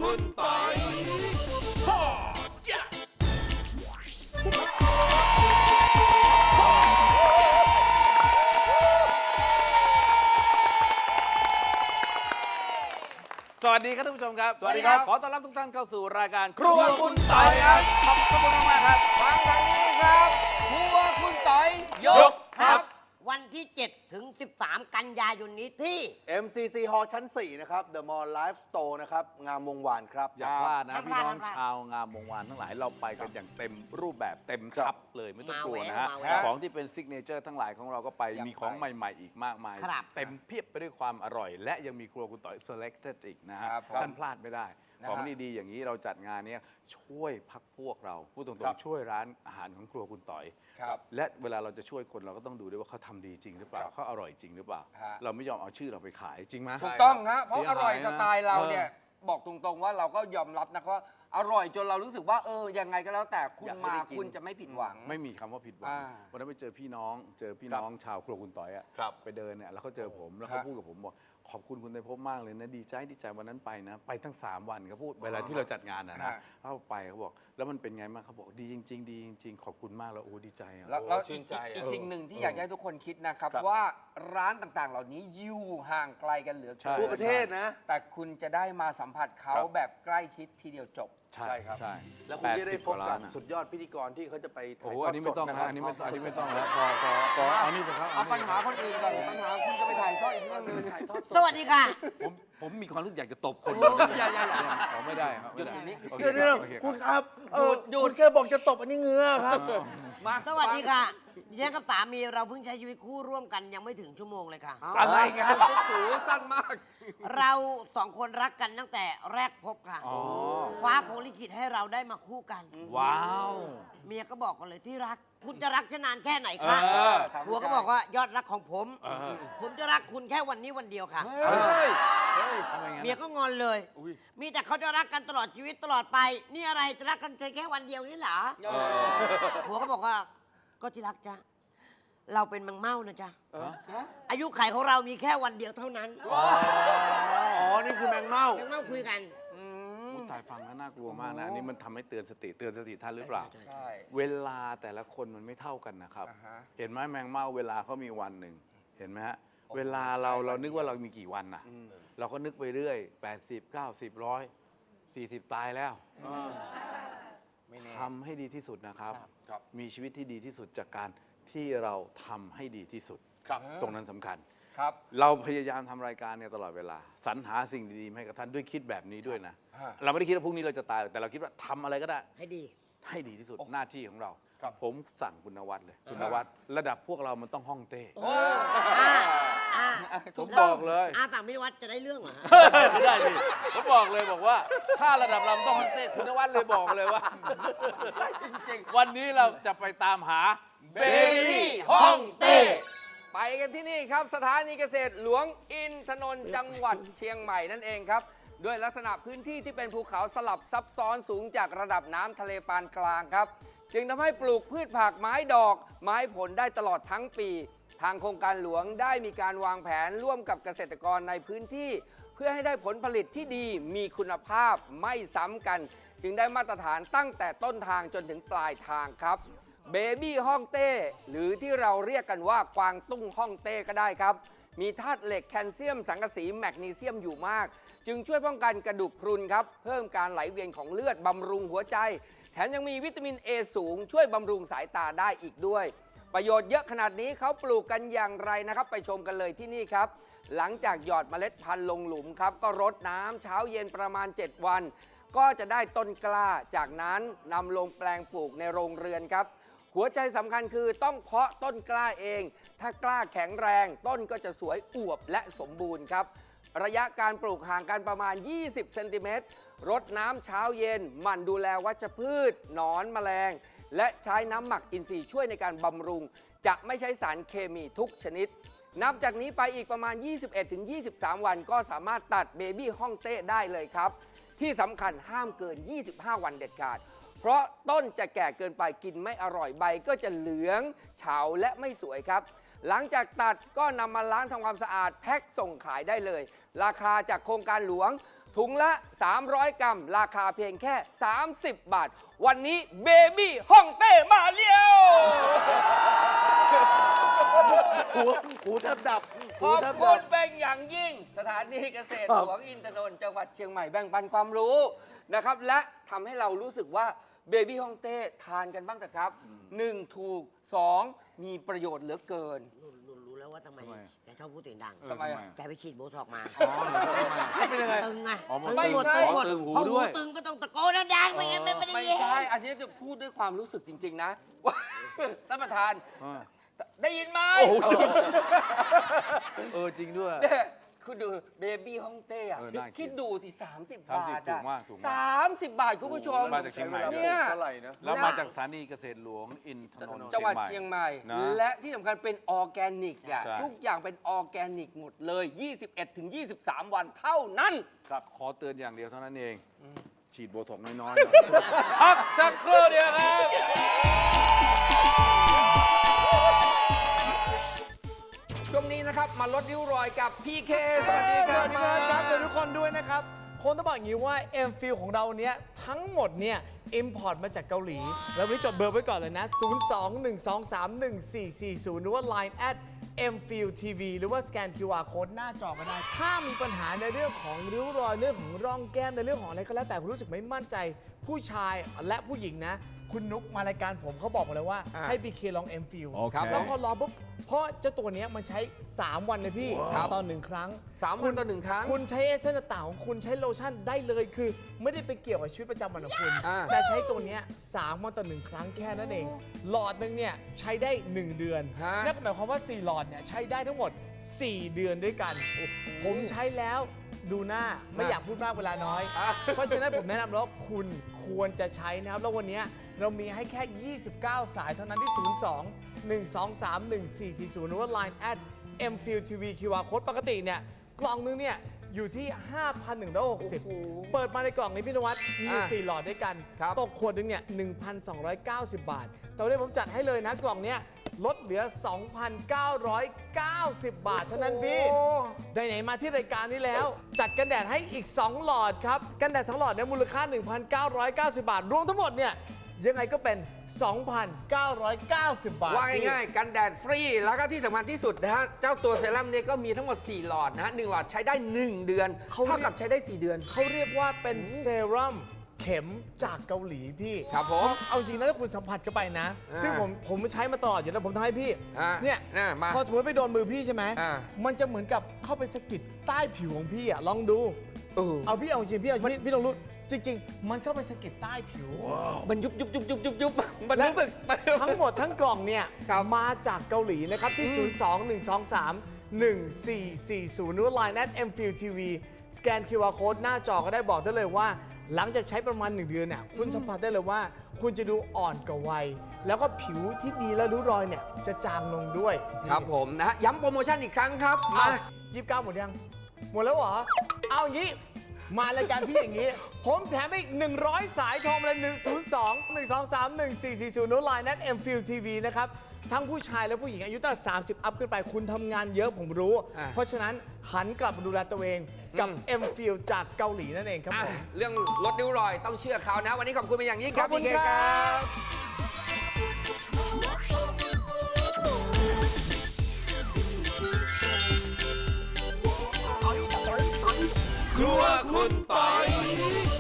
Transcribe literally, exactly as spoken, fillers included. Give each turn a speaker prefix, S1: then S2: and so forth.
S1: คุณปอยสวัสดีครับท่านผู้ชมครับสวัสดีครับขอต้อนรับทุกท่านเข้าสู่รายการครัวคุณต่อยครับขอบคุณมากครับ
S2: ฟังทางนี้ครับครัวคุณต่อยยกครับ
S3: วันที่เจ็ดถึงสิบสามกันยายนนี้ที่
S4: เอ็ม ซี ซี Hall ชั้นสี่นะครับ The Mall Live Store นะครับงามวงวานครับ
S1: อย่าพลาดนะพี่น้องชาวงามวงวานทั้งหลายเราไปกันอย่างเต็มรูปแบบเต็มครับเลยไม่ต้องกลัวนะฮะของที่เป็นซิกเนเจอร์ทั้งหลายของเราก็ไปมีของใหม่ๆอีกมากมายเต็มเพียบไปด้วยความอร่อยและยังมีครัวคุณต่อย Selected อีกนะฮะท่านพลาดไม่ได้ของดีๆอย่างนี้เราจัดงานนี้ช่วยพักพวกเราพูดตรงๆช่วยร้านอาหารของครัวคุณต่อยและเวลาเราจะช่วยคนเราก็ต้องดูด้วยว่าเขาทำดีจริงหรือเปล่าเขาอร่อยจริงหรือเปล่าเราไม่ยอมเอาชื่อเราไปขายจริงไหม
S2: ถูกต้องนะเพราะอร่อยสไตล์เราเนี่ยบอกตรงๆว่าเราก็ยอมรับนะว่าอร่อยจนเรารู้สึกว่าเออยังไงก็แล้วแต่คุณมาคุณจะไม่ผิดหวัง
S1: ไม่มีคำว่าผิดหวังวันนั้นไปเจอพี่น้องเจอพี่น้องชาวครัวคุณต่อยอ่ะไปเดินเนี่ยแล้วเขาเจอผมแล้วเขาพูดกับผมบอกขอบคุณคุณไตรภพมากเลยนะดีใจดีใจวันนั้นไปนะไปทั้งสามวันเขาพูดเวลาที่เราจัดงานนะนะเขาไปเขาบอกแล้วมันเป็นไงบ้างเขาบอกดีจริงๆดีจริงๆขอบคุณมากแล้วโอ้ดีใจอ่ะ
S2: แล้วชื่นใจอีกสิ่งหนึ่งที่อยากให้ทุกคนคิดนะครับว่าร้านต่างๆเหล่านี้อยู่ห่างไกลกันเหลือเกิน
S4: ทั่วประเทศนะ
S2: แต่คุณจะได้มาสัมผัสเขาแบบใกล้ชิดทีเดียวจบ
S1: ใช่ครับใช่
S4: แล้วคุณจะได้พบกับสุดยอดพิธีกรที่เขาจะไปถ่ายทอดสด
S1: อันนี้ไม่ต้องนะอันนี้ไม่อันนี้ไม่ต้องแล้วพอพอพอเอานี่ไปครับ
S2: เอาปัญหาคนอื่นก่อนปัญหาคุณจะไปถ่ายทอดอีกเรื่องนึง
S3: สวัสดีค่ะ
S1: ผมผมมีความรู้สึกอยากจะตบคน
S2: อย่าอย่าอย่า
S1: ขอไม่ได้ครับ
S2: หยุดนี้
S4: เดี๋ยวเดี๋ยวคุณครับหยุดหยุดแค่บอกจะตบอันนี้เงือครับ
S3: มาสวัสดีค่ะดิฉันกับสามีเราเพิ่งใช้ชีวิตคู่ร่วมกันยังไม่ถึงชั่วโมงเลยค่ะ
S2: อะไรกันสูงสั้นมาก
S3: เราสองคนรักกันตั้งแต่แรกพบค่ะฟ้าคงลิขิตให้เราได้มาคู่กัน
S1: ว้าว
S3: เมียก็บอกกันเลยที่รักคุณจะรักฉันนานแค่ไหนคะผัวก็บอกว่ายอดรักของผมผมจะรักคุณแค่วันนี้วันเดียวค่ะเมียก็งอนเลยมีแต่เขาจะรักกันตลอดชีวิตตลอดไปนี่อะไรจะรักกันแค่วันเดียวนี่เหรอผัวก็บอกว่าก็ที่รักจ้ะเราเป็นมังเม่านะจ๊ะอายุไขของเรามีแค่วันเดียวเท่านั้น
S4: อ๋อนี่คือแมงเม่า
S3: แมงเม่าคุยกัน
S1: ตายฟังแล้วน่ากลัวมากนะอันนี้มันทำให้เตือนสติเตือนสติท่านหรือเปล่าเวลาแต่ละคนมันไม่เท่ากันนะครับเห็นไหมแมงเม่าเวลาเขามีวันหนึ่งเห็นไหมฮะเวลาเราเรานึกว่าเรามีกี่วันน่ะเราก็นึกไปเรื่อยแปดสิบ เก้าสิบ หนึ่งร้อย สี่สิบตายแล้วทำให้ดีที่สุดนะครับมีชีวิตที่ดีที่สุดจากการที่เราทำให้ดีที่สุดตรงนั้นสำคัญเราพยายามทำรายการเนี่ยตลอดเวลาสรรหาสิ่งดีๆให้กับท่านด้วยคิดแบบนี้ด้วยนะเราไม่ได้คิดว่าพรุ่งนี้เราจะตายแต่เราคิดว่าทำอะไรก็ได้
S3: ให้ดี
S1: ให้ดีที่สุดหน้าที่ของเราผมสั่งคุณนวัดเลยคุณนวัดระดับพวกเรามันต้องห้องเต้ผมบอกเลย
S3: อาสั่งพี่นวัดจะได้เรื่องเหรอ
S1: ไม่ได้ดิผมบอกเลยบอกว่าถ้าระดับเราต้องห้องเต้คุณนวัดเลยบอกเลยว่าวันนี้เราจะไปตามหาเบบี้ห้องเต้
S2: ไปกันที่นี่ครับสถานีเกษตรหลวงอินทนนท์จังหวัดเชียงใหม่นั่นเองครับด้วยลักษณะพื้นที่ที่เป็นภูเขาสลับซับซ้อนสูงจากระดับน้ำทะเลปานกลางครับจึงทำให้ปลูกพืชผักไม้ดอกไม้ผลได้ตลอดทั้งปีทางโครงการหลวงได้มีการวางแผนร่วมกับเกษตรกรในพื้นที่เพื่อให้ได้ผลผลิตที่ดีมีคุณภาพไม่ซ้ำกันจึงได้มาตรฐานตั้งแต่ต้นทางจนถึงปลายทางครับเบบี้ฮ่องเต้หรือที่เราเรียกกันว่ากวางตุ้งฮ่องเต้ก็ได้ครับมีธาตุเหล็กแคลเซียมสังกะสีแมกนีเซียมอยู่มากจึงช่วยป้องกันกระดูกพรุนครับเพิ่มการไหลเวียนของเลือดบำรุงหัวใจแถมยังมีวิตามิน เอ สูงช่วยบำรุงสายตาได้อีกด้วยประโยชน์เยอะขนาดนี้เขาปลูกกันอย่างไรนะครับไปชมกันเลยที่นี่ครับหลังจากหยอดเมล็ดพันธุ์ลงหลุมครับก็รดน้ำเช้าเย็นประมาณเจ็ดวันก็จะได้ต้นกล้าจากนั้นนำลงแปลงปลูกในโรงเรือนครับหัวใจสำคัญคือต้องเพาะต้นกล้าเองถ้ากล้าแข็งแรงต้นก็จะสวยอวบและสมบูรณ์ครับระยะการปลูกห่างกันประมาณยี่สิบเซนติเมตรรดน้ำเช้าเย็นหมั่นดูแลวัชพืชหนอนแมลงและใช้น้ำหมักอินทรีย์ช่วยในการบำรุงจะไม่ใช้สารเคมีทุกชนิดนับจากนี้ไปอีกประมาณ ยี่สิบเอ็ดถึงยี่สิบสาม วันก็สามารถตัดเบบี้ฮ่องเต้ได้เลยครับที่สำคัญห้ามเกินยี่สิบห้าวันเด็ดขาดเพราะต้นจะแก่เกินไปกินไม่อร่อยใบก็จะเหลืองเฉาและไม่สวยครับหลังจากตัดก็นำมาล้างทำความสะอาดแพ็คส่งขายได้เลยราคาจากโครงการหลวงถุงละ สามร้อย กรัม ราคาเพียงแค่ สามสิบ บาท วันนี้เบบี้ฮ่องเต้มาเลี้ยว
S4: หูหูแทบดับ
S2: ข
S4: หู
S2: อบ
S4: แทบ
S2: คุ
S4: ดั
S2: ณ
S4: บ
S2: เป็นอย่างยิ่ง สถานีเกษตร
S4: ครั
S2: ห
S4: บ
S2: ลวงอินทนนท์จังหวัดเชียงใหม่แบ่งปันความรู้นะครับและทำให้เรารู้สึกว่าเบบี้ฮ่องเต้ทานกันบ้างเถอะครับหนึ่งถูกสองมีประโยชน์เหลือเกิน
S3: รู้รู้รู้แล้วว่าทำไม
S1: ทำไม
S3: แกชอบพูดเสียงดัง
S1: เออ
S2: ทำไมอะ
S3: แกไปฉีดโบท็อกซ์มา
S1: อ๋อเหรอแล้วเป็นยังไง
S3: ตึงไง
S1: อ๋อมัน
S3: ตึง
S2: ไม่
S3: หมด
S2: ใช่
S3: ตึงหมด
S1: ตึงหู
S3: พอ
S1: ด้วย
S3: ตึงก็ต้องตะโกนดังๆไม่งั้นไม่ได้
S2: ไม่
S3: ยิน
S2: ใช่ อันนี้จะพูดด้วยความรู้สึกจริง ๆ นะว่าท่านประธาน
S1: อ่า
S2: ได้ยินไหม
S1: โอ้โหเออจริงด้วย
S2: เนี่ยคือดูเบบี้ฮ่องเต้อะ
S1: เออน่ากิน
S2: คิดดูสิสามสิบ
S1: สาม
S2: บา
S1: สิบ
S2: ท
S1: ถู
S2: อะ
S1: กมากถูกมาก
S2: สามสิบบาทคุณผู้ชม
S1: มาจากเชียงใหม่
S2: เนี่ย
S4: เท่าไหร่นะ
S1: แล้วมาจากสถานีเกษตรหลวงอินทนนท์
S2: จังหวัดเชียงใหม่
S1: นะ
S2: และที่สำคัญเป็นออร์แกนิกอ่ะ
S1: ใช่
S2: ทุกอย่างเป็นออร์แกนิกหมดเลย ยี่สิบเอ็ดถึงยี่สิบสาม วันเท่านั้น
S1: ครับขอเตือนอย่างเดียวเท่านั้นเอง ฉีดโบท็อกซ์น้อยๆหน่อยพักสักครู่เดียวครับ
S2: ช่วงนี้นะครับ มาลดริ้วรอยกับ พี เค สวัสดีครับ
S5: สวัสดีครับสวัสดีทุกคนด้วยนะครับคงต้องบอกอย่างนี้ว่า เอ็ม ฟิล ของเราเนี้ยทั้งหมดเนี่ย อิมพอร์ตมาจากเกาหลี แล้ววันนี้จดเบอร์ไว้ก่อนเลยนะ ศูนย์ สอง หนึ่ง สอง สาม หนึ่ง สี่ สี่ ศูนย์ หรือว่า ไลน์ แอท เอ็ม ฟิล ที วี หรือว่าสแกน คิว อาร์ Code หน้าจอก็ได้ ถ้ามีปัญหาในเรื่องของริ้วรอยเรื่องของร่องแก้มในเรื่องของอะไรก็แล้วแต่คุณรู้สึกไม่มั่นใจ ผู้ชายและผู้หญิงนะ คุณนุกมารายการผมเขาบอกมาเลยว่า
S2: อ่า
S5: ให้ พี เค ลอง เอ็ม ฟิล
S1: โอเค
S5: แล้วพอลองปุ๊บเพราะเจ้าตัวเนี้ยมันใช้ สาม วันเลยพี่ต่อหนึ่งครั้ง
S2: สามวันต่อหนึ่งครั้ง
S5: คุณใช้เอเซนต์ต่างๆของคุณใช้โลชั่นได้เลยคือ ไม่ได้ไปเกี่ยวกับชีวิตประจำวันของคุณ
S2: อ่า
S5: แต่ใช้ตัวเนี้ยสามวันต่อหนึ่งครั้งแค่นั้นเอง หลอดหนึงเนี่ยใช้ได้ หนึ่ง เดือน
S2: ฮะ
S5: นั่นหมายความว่า สี่ หลอดเนี่ยใช้ได้ทั้งหมด สี่ เดือนด้วยกัน ผมใช้แล้วดูหน้าไม่อยากพูดมากเวลาน้อย
S2: อ่ะ
S5: เพราะฉะนั้นผมแนะนำแล้วคุณควรจะใช้นะครับ แล้ววันนี้เรามีให้แค่ ยี่สิบเก้า สายเท่านั้นที่ ศูนย์ สอง หนึ่ง สอง สาม หนึ่ง สี่ สี่ ศูนย์ หรือว่า ไลน์ แอท เอ็ม ฟิล ที วี คิว อาร์ Code ปกติเนี่ยกล่องนึงเนี่ยอยู่ที่ ห้าพันหนึ่งร้อยหกสิบ
S2: โอ้โห
S5: เปิดมาในกล่องนี้พี่นวัดมีอยู่
S2: อ่ะ
S5: สี่หลอดด้วยกัน
S2: ครับ
S5: ตกขวดหนึงเนี่ย หนึ่งพันสองร้อยเก้าสิบ บาท แต่วันนี้ผมจัดให้เลยนะกล่องเนี้ยลดเหลือ สองพันเก้าร้อยเก้าสิบ บาทเท่านั้นพี่ ไหนๆมาที่รายการนี้แล้ว จัดกันแดดให้อีก สอง หลอดครับ กันแดด สอง หลอดเนี่ยมูลค่า หนึ่งพันเก้าร้อยเก้าสิบ บาท รวมทั้งหมดเนี่ยยังไงก็เป็น สองพันเก้าร้อยเก้าสิบ บาท
S2: ว่าง่ายๆ กันแดดฟรี แล้วก็ที่สำคัญที่สุดนะฮะ เจ้าตัวเซรั่มเนี่ยก็มีทั้งหมด สี่ หลอดนะฮะหนึ่งหลอดใช้ได้ หนึ่ง เดือน
S5: เขาเรียก
S2: เท่ากับใช้ได้ สี่ เดือน
S5: เขาเรียกว่าเป็นเซรั่มเข็มจากเกาหลีพี่
S2: ครับผม
S5: เพาะเอาจริงนะถ้าคุณสัมผัสเข้าไปนะ
S2: อ่า
S5: ซึ่งผมผมใช้มาตลอดอยู่แล้วผมทำให้พี่
S2: อ่ะ
S5: เนี่ย
S2: น่ะมา
S5: พอสมมติไปโดนมือพี่ใช่ไหม
S2: อ่า
S5: มันจะเหมือนกับเข้าไปสะกิดใต้ผิวของพี่อ่ะลองดู
S2: เออ
S5: เอาพี่เอาจริงพี่เอาพี่พี่ลองรู้จริง ๆ มันเข้าไปสะกิดใต้ผิว
S2: มันยุบยุบยุบยุบยุบยุบมันรู้สึก
S5: ทั้งหมดทั้งกล่องเนี่ย
S2: ครับ
S5: มาจากเกาหลีนะครับ ที่ ศูนย์ สอง หนึ่ง สอง สาม หนึ่ง สี่ สี่ ศูนย์ หรือว่า ไลน์ แอท เอ็ม ฟิล ที วี สแกน คิว อาร์ Code หน้าจอก็ได้บอกได้เลยว่า หลังจากใช้ประมาณ หนึ่ง เดือนเนี่ยคุณสัมผัสได้เลยว่า คุณจะดูอ่อนกว่าวัย แล้วก็ผิวที่ดีและริ้วรอยเนี่ยจะจางลงด้วย
S2: ครับผมนะฮะย้ำโปรโมชั่นอีกครั้งครับ
S5: มา
S2: มา
S5: ยี่สิบเก้าหมดยัง หมดแล้วเหรอ เอาอย่างนี้ มารายการพี่อย่างนี้ ผมแถมอีก หนึ่งร้อย สายโทรมาเลยหนึ่ง ศูนย์ สอง หนึ่ง สอง สาม หนึ่ง สี่ สี่ ศูนย์ ไลน์ แอท เอ็ม ฟิล ที วี นะครับ ทั้งผู้ชายและผู้หญิงอายุตั้งแต่สามสิบ อัพขึ้นไปคุณทำงานเยอะผมรู้
S2: อ่ะ
S5: เพราะฉะนั้นหันกลับมาดูแลตัวเองกับ
S2: อืม
S5: M Feel จากเกาหลีนั่นเองครับ
S2: อ่ะ
S5: ผม
S2: เรื่องลดริ้วรอยต้องเชื่อเขานะ วันนี้ขอบคุณเป็นอย่างยิ่งครับ
S5: ขอบคุณ
S2: พี่เก
S5: ครับ
S2: ครับ
S1: ครัวคุณปอย